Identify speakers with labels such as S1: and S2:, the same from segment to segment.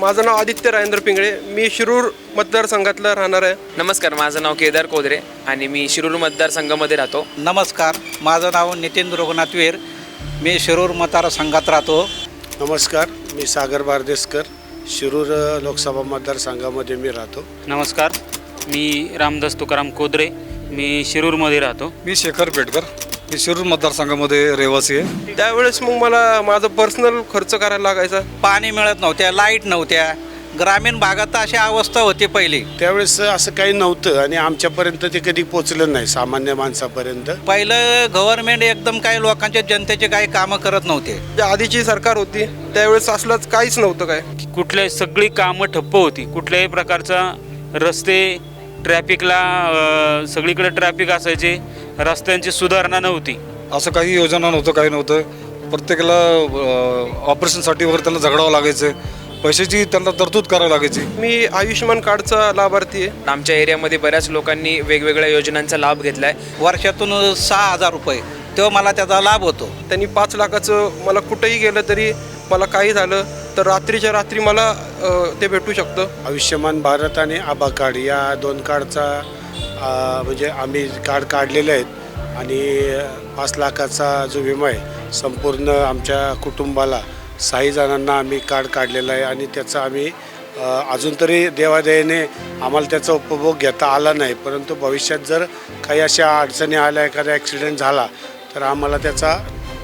S1: माझं नाव आदित्य राजेंद्र पिंगळे, मी शिरूर मतदारसंघातला राहणार आहे.
S2: नमस्कार, माझं नाव केदार कोदरे आणि मी शिरूर मतदारसंघामध्ये राहतो.
S3: नमस्कार, माझं नाव नितीन रघुनाथ वीर, मी शिरूर मतदारसंघात राहतो.
S4: नमस्कार, मी सागर बारदेसकर, शिरूर लोकसभा मतदारसंघामध्ये मी राहतो.
S5: नमस्कार, मी रामदास तुकाराम कोदरे, मी शिरूरमध्ये राहतो.
S6: मी शेखर पेटकर, मी शिरूर मतदारसंघामध्ये रहिवासी आहे.
S1: त्यावेळेस मग मला माझं पर्सनल खर्च करायला लागायचा.
S3: पाणी मिळत नव्हत्या, लाईट नव्हत्या, ग्रामीण भागात अशी अवस्था होती पहिली.
S4: त्यावेळेस असं काही नव्हतं आणि आमच्यापर्यंत ते कधी पोचलं नाही सामान्य माणसापर्यंत.
S3: पहिलं गव्हर्नमेंट एकदम काही लोकांच्या जनतेचे काही कामं करत नव्हते.
S1: ज्या आधीची सरकार होती त्यावेळेस असलंच काहीच नव्हतं. काय
S5: कुठल्याही सगळी कामं ठप्प होती. कुठल्याही प्रकारचा रस्ते, ट्रॅफिकला सगळीकडे ट्रॅफिक असायचे, रस्त्यांची सुधारणा नव्हती.
S6: असं काही योजना नव्हतं, काही नव्हतं. प्रत्येकाला ऑपरेशनसाठी वगैरे त्यांना झगडावं लागायचं, पैशाची त्यांना तरतूद करावी लागायची.
S1: मी आयुष्यमान कार्डचा लाभार्थी आहे.
S2: आमच्या एरियामध्ये बऱ्याच लोकांनी वेगवेगळ्या योजनांचा लाभ घेतला आहे.
S3: वर्षातून 6,000 रुपये तेव्हा मला त्याचा लाभ होतो.
S1: त्यांनी 5 लाखाचं मला कुठेही गेलं तरी मला काही झालं तर रात्रीच्या रात्री मला ते भेटू शकतं.
S4: आयुष्यमान भारत आणि आभा कार्ड या 2 कार्डचा म्हणजे आम्ही कार्ड काढलेले आहेत आणि 5 लाखाचा जो विमा आहे संपूर्ण आमच्या कुटुंबाला 6 जणांना आम्ही कार्ड काढलेलं आहे आणि त्याचा आम्ही अजून तरी देवादयेने आम्हाला त्याचा उपभोग घेता आला नाही. परंतु भविष्यात जर काही अशा अडचणी आल्या, एखादा ॲक्सिडेंट झाला तर आम्हाला त्याचा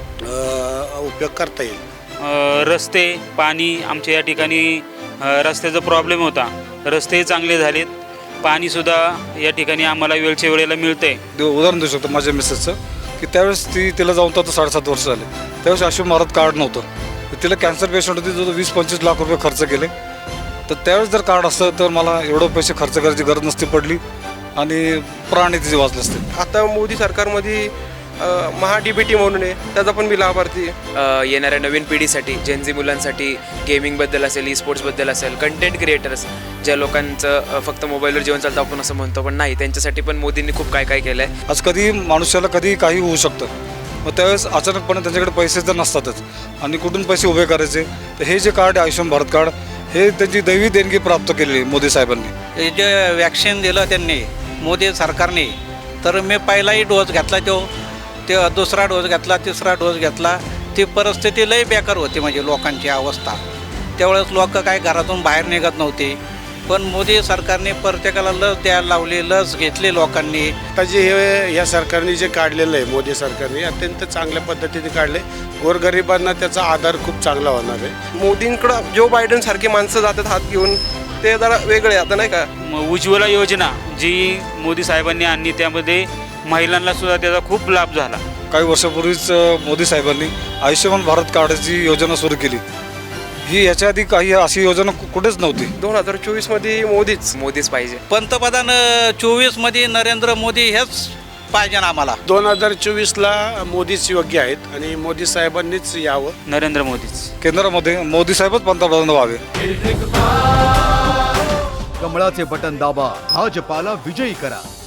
S4: उपयोग करता येईल.
S5: रस्ते, पाणी, आमच्या या ठिकाणी रस्त्याचा प्रॉब्लेम होता. रस्ते चांगले झालेत, पाणीसुद्धा या ठिकाणी आम्हाला वेळच्या वेळेला मिळतंय.
S6: उदाहरण देऊ शकतो माझ्या मिसेसचं, की त्यावेळेस तिला जाऊन तर 7.5 वर्ष झाले. त्यावेळेस आयुष्यमान भारत कार्ड नव्हतं. तिला कॅन्सर पेशंट होती, जो 20-25 लाख रुपये खर्च केले. तर त्यावेळेस जर कार्ड असतं तर मला एवढं पैसे खर्च करायची गरज नसती पडली आणि प्राणी तिचे वाचले असते.
S1: आता मोदी सरकारमध्ये महा DBT म्हणून आहे, त्याचा पण मी लाभार्थी आहे.
S2: येणाऱ्या नवीन पिढीसाठी, जेनझी मुलांसाठी गेमिंगबद्दल असेल, ई स्पोर्ट्सबद्दल असेल, कंटेंट क्रिएटर्स, ज्या लोकांचं फक्त मोबाईलवर जीवन चालतं आपण असं म्हणतो पण नाही, त्यांच्यासाठी पण मोदींनी खूप काय काय केलं आहे.
S6: आज कधी माणसाला कधी काही होऊ शकतं. मग त्यावेळेस अचानकपणे त्यांच्याकडे पैसे तर नसतातच आणि कुठून पैसे उभे करायचे. तर हे जे कार्ड आहे आयुष्यमान भारत कार्ड, हे त्यांची दैवी देणगी प्राप्त केलेली मोदी साहेबांनी.
S3: हे जे वॅक्सिन दिलं त्यांनी मोदी सरकारने, तर मी पहिलाही डोस घेतला, ते दुसरा डोस घेतला, तिसरा डोस घेतला. ती परिस्थिती लई बेकार होती, म्हणजे लोकांची अवस्था. त्यावेळेस लोक काही घरातून बाहेर निघत नव्हते. पण मोदी सरकारने प्रत्येकाला लस द्यायला लावली, लस घेतली लोकांनी.
S4: आता जे हे या सरकारने जे काढलेलं आहे, मोदी सरकारने अत्यंत चांगल्या पद्धतीने काढले. गोरगरिबांना त्याचा आधार खूप चांगला होणार आहे.
S1: मोदींकडं जो बायडन सारखे माणसं जातात हात घेऊन, ते जरा वेगळे आता नाही का.
S5: उज्ज्वला योजना जी मोदी साहेबांनी आणली, त्यामध्ये महिलांना सुद्धा त्याचा खूप लाभ झाला.
S6: काही वर्षापूर्वीच मोदी साहेबांनी आयुष्यमान भारत कार्डची योजना सुरू केली. ही याच्या आधी काही अशी योजना कुठेच नव्हती.
S1: 2024 मध्ये
S2: मोदीच पाहिजे.
S3: पंतप्रधान 24मध्ये नरेंद्र मोदी हेच पाहिजे आम्हाला.
S4: 2024ला मोदीच योग्य आहेत आणि मोदी साहेबांनीच यावं.
S5: नरेंद्र मोदीच.
S6: केंद्रामध्ये मोदी साहेबच पंतप्रधान व्हावे.
S7: कमळाचे बटन दाबा, भाजपाला विजयी करा.